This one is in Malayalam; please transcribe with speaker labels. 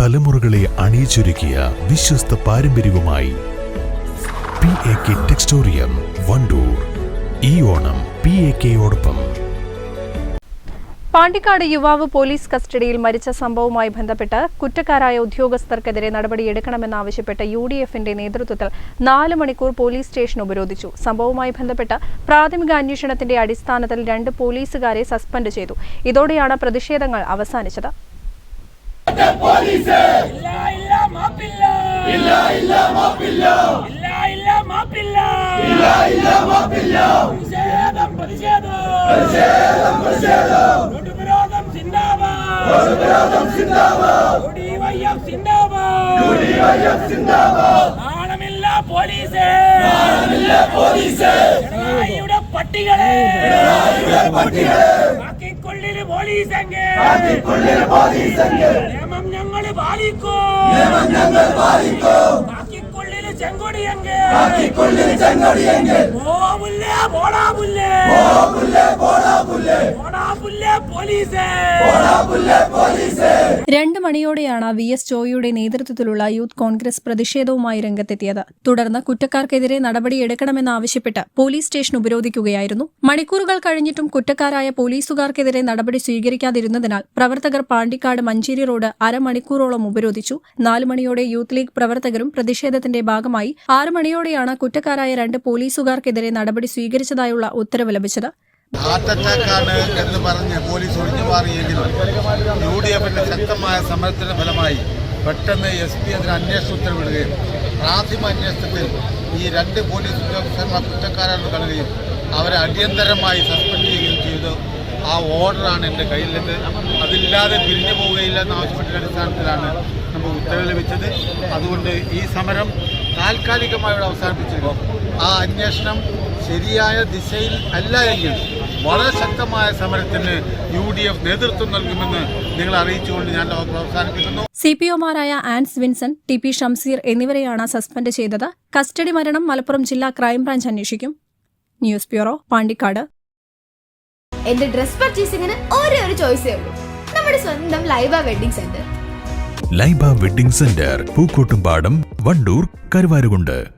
Speaker 1: തലമുറകളെ അണിയിച്ചൊരുക്കിയ വിശ്വസ്ത പാരമ്പര്യവുമായി PAK ടെക്സ്റ്റോറിയം വണ്ടൂർ. ഈ ഓണം PAKയോടൊപ്പം.
Speaker 2: പാണ്ടിക്കാട് യുവാവ് പോലീസ് കസ്റ്റഡിയിൽ മരിച്ച സംഭവവുമായി ബന്ധപ്പെട്ട് കുറ്റക്കാരായ ഉദ്യോഗസ്ഥർക്കെതിരെ നടപടിയെടുക്കണമെന്നാവശ്യപ്പെട്ട് UDF-ന്റെ നേതൃത്വത്തിൽ 4 മണിക്കൂർ പോലീസ് സ്റ്റേഷൻ ഉപരോധിച്ചു. സംഭവവുമായി ബന്ധപ്പെട്ട് പ്രാഥമിക അന്വേഷണത്തിന്റെ അടിസ്ഥാനത്തിൽ 2 പോലീസുകാരെ സസ്പെൻഡ് ചെയ്തു. ഇതോടെയാണ് പ്രതിഷേധങ്ങൾ അവസാനിച്ചത്. രണ്ട് മണിയോടെയാണ് VS ജോയിയുടെ നേതൃത്വത്തിലുള്ള യൂത്ത് കോൺഗ്രസ് പ്രതിഷേധവുമായി രംഗത്തെത്തിയത്. തുടർന്ന് കുറ്റക്കാർക്കെതിരെ നടപടിയെടുക്കണമെന്നാവശ്യപ്പെട്ട് പോലീസ് സ്റ്റേഷൻ ഉപരോധിക്കുകയായിരുന്നു. മണിക്കൂറുകൾ കഴിഞ്ഞിട്ടും കുറ്റക്കാരായ പോലീസുകാർക്കെതിരെ നടപടി സ്വീകരിക്കാതിരുന്നതിനാൽ പ്രവർത്തകർ പാണ്ടിക്കാട് മഞ്ചേരി റോഡ് അരമണിക്കൂറോളം ഉപരോധിച്ചു. 4 മണിയോടെ യൂത്ത് ലീഗ് പ്രവർത്തകരും പ്രതിഷേധത്തിന്റെ ഭാഗമായി 6 മണിയോടെയാണ് കുറ്റക്കാരായ 2 പോലീസുകാർക്കെതിരെ നടപടി സ്വീകരിച്ചതായുള്ള ഉത്തരവ് ലഭിച്ചത്.
Speaker 3: ഹാർട്ട് അറ്റാക്കാണ് എന്ന് പറഞ്ഞ് പോലീസ് ഒഴിഞ്ഞു മാറിയെങ്കിലും UDF-ന്റെ ശക്തമായ സമരത്തിന്റെ ഫലമായി പെട്ടെന്ന് SP അതിന് അന്വേഷണ ഉത്തരവിടുകയും പ്രാഥമിക അന്വേഷണത്തിൽ ഈ 2 പോലീസ് ഉദ്യോഗസ്ഥന്മാർ കുറ്റക്കാരാണെന്ന് കാണുകയും അവരെ അടിയന്തരമായി സസ്പെൻഡ് ചെയ്യുകയും ചെയ്തു. ആ ഓർഡറാണ് എൻ്റെ കയ്യിലുള്ളത്. അതില്ലാതെ പിരിഞ്ഞു പോവുകയില്ല എന്നാവശ്യപ്പെട്ട അടിസ്ഥാനത്തിലാണ് നമുക്ക് ഉത്തരവ് ലഭിച്ചത്. അതുകൊണ്ട് ഈ സമരം താൽക്കാലികമായി അവസാനിപ്പിച്ചിരുന്നു. ആ അന്വേഷണം ശരിയായ ദിശയിൽ അല്ല എങ്കിൽ വളരെ ശക്തമായ സമരത്തിന് UDF നേതൃത്വം നൽകുമെന്ന് നിങ്ങൾ അറിയിച്ചുകൊണ്ട് ഞാൻ അവസാനിപ്പിക്കുന്നു.
Speaker 2: CPOമാരായ ആൻസ് വിൻസെന്റ്, TP ഷംസീർ എന്നിവരെയാണ് സസ്പെൻഡ് ചെയ്തത്. കസ്റ്റഡി മരണം മലപ്പുറം ജില്ലാ ക്രൈംബ്രാഞ്ച് അന്വേഷിക്കും. News bureau, Pandikkad.
Speaker 4: എന്റെ ഡ്രസ് പർച്ചേസിംഗിന് ഒരേ ഒരു ചോയ്സേ ഉള്ളൂ, നമ്മുടെ സ്വന്തം Laiba wedding centre.
Speaker 1: Laiba wedding centre, Pookkottumpadam, Wandoor, Karuvarakundu.